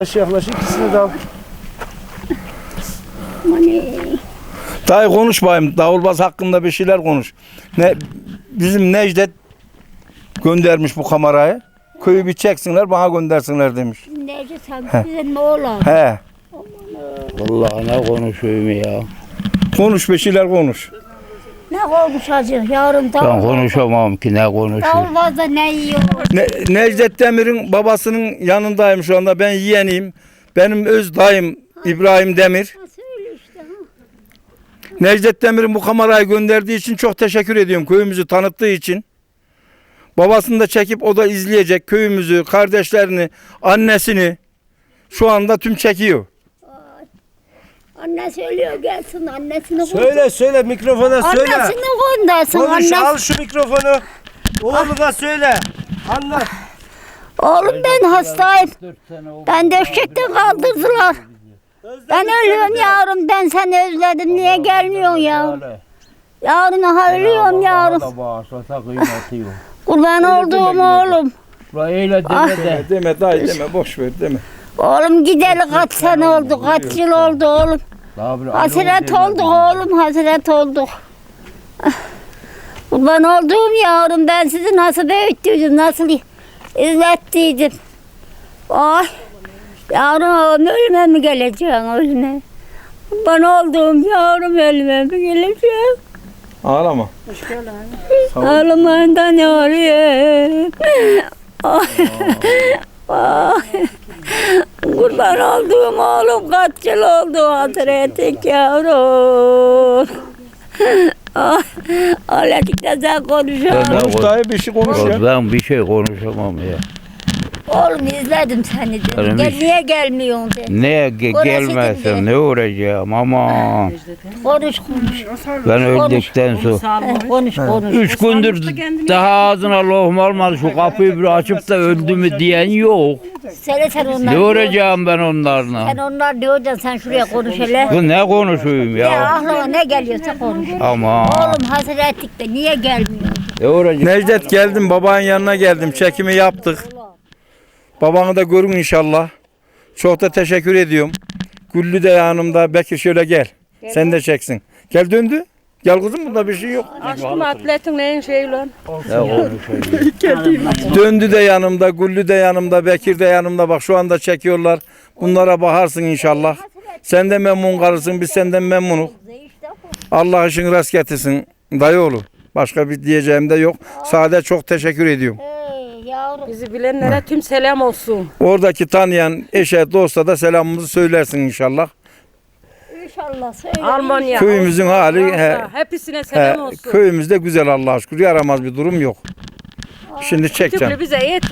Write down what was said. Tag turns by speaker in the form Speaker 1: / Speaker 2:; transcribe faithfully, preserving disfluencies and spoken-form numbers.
Speaker 1: Yaklaş yaklaş ikisini de al.
Speaker 2: Dayı konuş bayım. Davulbaz hakkında bir şeyler konuş. Ne bizim Necdet göndermiş bu kamerayı. Köyü bir çeksinler bana göndersinler demiş.
Speaker 3: Necdet sen bize ne olur?
Speaker 2: He.
Speaker 4: Vallahi ne konuşuyorum ya.
Speaker 2: Konuş bir şeyler konuş.
Speaker 3: Ne konuşacak yarın
Speaker 4: Ben
Speaker 3: davul.
Speaker 4: konuşamam ki ne konuşuyorum.
Speaker 3: Davulbazda ne yiyor?
Speaker 2: Ne, Necdet Demir'in babasının yanındayım şu anda. Ben yeğeniyim. Benim öz dayım İbrahim Demir.
Speaker 3: Söyle işte. Ha.
Speaker 2: Necdet Demir'in bu kamerayı gönderdiği için çok teşekkür ediyorum. Köyümüzü tanıttığı için. Babasını da çekip o da izleyecek. Köyümüzü, kardeşlerini, annesini şu anda tüm çekiyor.
Speaker 3: Anne söylüyor gelsin annesini
Speaker 1: Söyle söyle mikrofona söyle.
Speaker 3: Annesini göndersin.
Speaker 1: Konuş
Speaker 3: Annesi.
Speaker 1: al şu mikrofonu. Oğlu da söyle. Anlat.
Speaker 3: Oğlum ben hastayım. Ben döşekten kaldırdılar. Ben ölüyorum yavrum. Ben seni özledim. Niye gelmiyorsun yavrum? Yavrum ha ölüyorum yavrum. Kurban olduğum oğlum.
Speaker 4: Öyle
Speaker 3: Ah.
Speaker 4: deme de.
Speaker 2: Deme dayı deme boş ver deme.
Speaker 3: Oğlum gideli kaç sene oldu. Kaç yıl oldu oğlum. Hasret olduk oğlum. Hasret olduk. Ah. Kurban olduğum yavrum. Ben sizi nasıl büyüttüydüm. Nasıl izlettiydim. Ay. Yavrum ölüme mi geleceğim ölüme? Kurban olduğum yavrum ölüme mi geleceğim?
Speaker 2: Ağlama.
Speaker 3: Ağlamayın da ne oluyor? Ay. Ay. Kurban olduğum oğlum kaç yıl oldu hasretik yavrum. Ay. Öyledik de sen konuşuyorsun.
Speaker 2: Konuş dayı bir şey konuş ya.
Speaker 4: Ben bir şey konuşamam ya.
Speaker 3: Oğlum izledim seni dedim.
Speaker 4: Benim
Speaker 3: Gel,
Speaker 4: hiç-
Speaker 3: niye gelmiyorsun dedim.
Speaker 4: Neye ge-
Speaker 3: Orası
Speaker 4: gelmezsem
Speaker 3: dedi.
Speaker 4: ne uğrayacağım aman.
Speaker 3: Konuş konuş.
Speaker 4: Ben öldükten sonra.
Speaker 3: He, konuş konuş.
Speaker 4: Üç gündür daha ağzına lohum olmadı. Şu kapıyı bir açıp da öldü mü diyen yok.
Speaker 3: Söyle sen onlar.
Speaker 4: Ne uğrayacağım ben onlarla?
Speaker 3: Sen onlar diyorsan sen şuraya konuş hele.
Speaker 4: Bu ne konuşuyum
Speaker 3: Ya
Speaker 4: ya?
Speaker 3: aklına ne geliyorsa konuş.
Speaker 4: Aman.
Speaker 3: Oğlum hasretlik de niye gelmiyor?
Speaker 4: Ne uğrayacağım?
Speaker 2: Necdet geldim babanın yanına geldim. Çekimi yaptık. Babanı da görün inşallah. Çok da teşekkür ediyorum. Güllü de yanımda. Bekir şöyle gel. Sen de çeksin. Gel döndü. Gel kızım bunda bir şey yok.
Speaker 5: Aşkım atletin neyin şeyi lan?
Speaker 4: Ne konuşuyorum?
Speaker 2: Döndü de yanımda. Güllü de yanımda. Bekir de yanımda. Bak şu anda çekiyorlar. Bunlara bakarsın inşallah. Sen de memnun kalırsın. Biz senden memnunuz. Allah işin rast getirsin. Dayıoğlu. Başka bir diyeceğim de yok. Sadece çok teşekkür ediyorum.
Speaker 3: Hey yavrum.
Speaker 5: Bizi bilenlere tüm selam olsun.
Speaker 2: Oradaki tanıyan eşe dosta da selamımızı söylersin inşallah.
Speaker 3: İnşallah söyle.
Speaker 5: Almanya.
Speaker 2: Köyümüzün hali he,
Speaker 5: Fransa, hepsine selam
Speaker 2: he,
Speaker 5: olsun.
Speaker 2: köyümüzde güzel Allah'a şükür. Yaramaz bir durum yok. Şimdi çekeceğim.
Speaker 5: Tüplü bize yet.